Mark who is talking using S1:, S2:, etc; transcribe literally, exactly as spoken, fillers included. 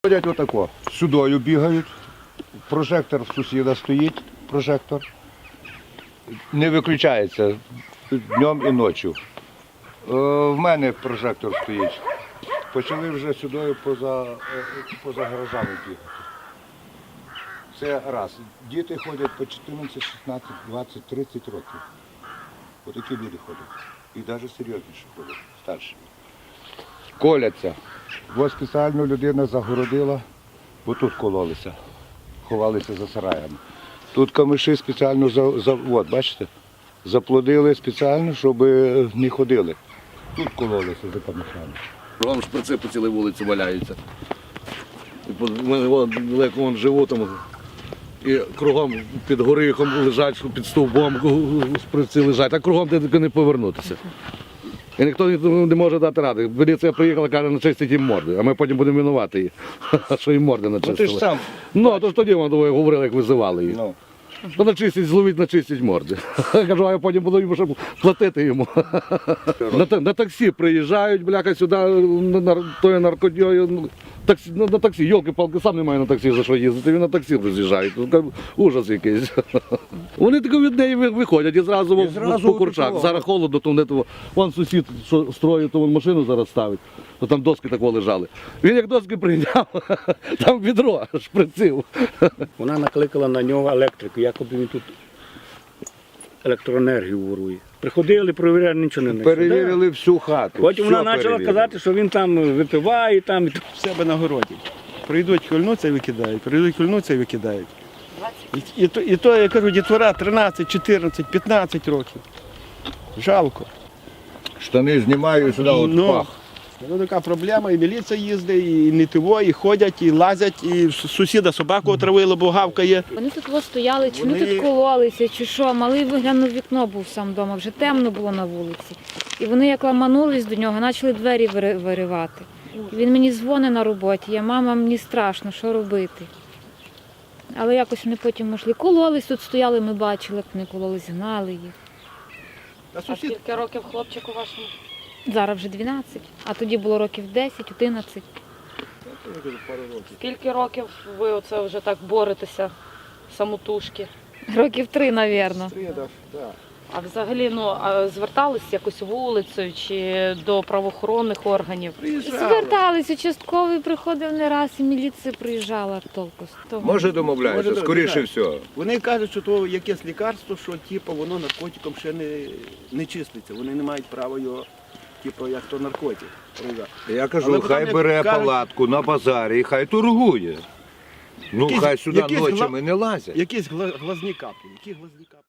S1: Ходять отако, сюдою бігають, прожектор в сусіда стоїть, прожектор, не виключається днем і ночі. В мене прожектор стоїть. Почали вже сюдою поза, поза гаражами бігати. Це раз. Діти ходять по чотирнадцять, шістнадцять, двадцять, тридцять років. Отакі люди ходять. І навіть серйозніше ходять, старші. Коляться. Ось спеціально людина загородила, бо тут кололися, ховалися за сараями. Тут камиші спеціально, за, за, от, бачите, заплодили спеціально, щоб не ходили. Тут кололися за камишами.
S2: Кругом шприци по цілій вулиці валяються. І у мене вон, далеко вон живу там, і кругом під горихом лежать, під стовбом шприци лежать, а кругом де не повернутися. І ніхто не може дати ради. Поліція приїхала, каже, начистить їм морди, а ми потім будемо винувати їх, що їм морди начистили.
S1: Ну ти ж сам.
S2: Ну, то ж тоді вони говорили, як визивали їх.
S1: Ну.
S2: То начистить, зловіть, начистить морди. Кажу, а я потім буду йому ще платити йому. На, на таксі приїжджають, бляха, сюди, на тою наркодією. Таксі, на, на таксі, йолки-палки, сам немає на таксі за що їздити, він на таксі роз'їжджають. Ужас якийсь. Вони тако від неї виходять і зразу, і зразу по курчак. Зараз холодно, то вони, то, вон сусід, що строїть, то він машину зараз ставить, то там доски тако лежали. Він як доски прийняв, там відро шприцив.
S3: Вона накликала на нього електрику, якоби він тут електроенергію ворує. Приходили, перевіряли, нічого не знайшли.
S1: Перевірили всю хату.
S3: Потім
S1: все
S3: вона почала
S1: перевірили.
S3: казати, що він там випиває, там і
S4: в себе на городі. Прийдуть, хильнуться і викидають, прийдуть, хильнуться і викидають. І, і, то, і то, я кажу, дітвора тринадцять, чотирнадцять, п'ятнадцять років. Жалко.
S1: Штани знімаю сюди, от
S4: Ну,
S1: пах.
S4: Це така проблема, і міліція їздить, і не тиво, і ходять, і лазять, і сусіда собаку отравили, бо гавкає.
S5: Вони тут ось стояли, чи вони
S4: Вони-
S5: тут кололися, чи що. Малий виглянув в вікно, був сам вдома, вже темно було на вулиці. І вони як ламанулись до нього, почали двері вири- виривати. Він мені дзвонить на роботі, я, мама, мені страшно, що робити. Але якось вони потім йшли. Кололись, тут стояли, ми бачили, як вони кололись, гнали їх.
S4: А
S6: А
S4: сусід
S6: скільки років хлопчику вашому?
S5: Зараз вже дванадцять, а тоді було років десять, одинадцять.
S6: Скільки років ви оце вже так боретеся самотужки?
S5: Років три, мабуть.
S4: приїдав, так.
S6: А взагалі, ну, а звертались якось вулицею чи до правоохоронних органів?
S5: Звертались, участковий приходив не раз, і міліція приїжджала толку з того.
S1: Може домовляються,
S4: Може,
S1: скоріше
S4: так.
S1: всього.
S4: Вони кажуть, що то якесь лікарство, що типу, воно наркотиком ще не, не числиться. Вони не мають права його, типу, як то наркотик.
S1: Я кажу,
S4: Але
S1: хай
S4: потім
S1: бере
S4: кажуть-
S1: палатку на базарі і хай торгує. Ну,
S4: Якісь-
S1: хай сюди
S4: якісь
S1: ночами
S4: гла-
S1: не лазять.
S4: Якісь гла- глазні каплі. Які глазні каплі?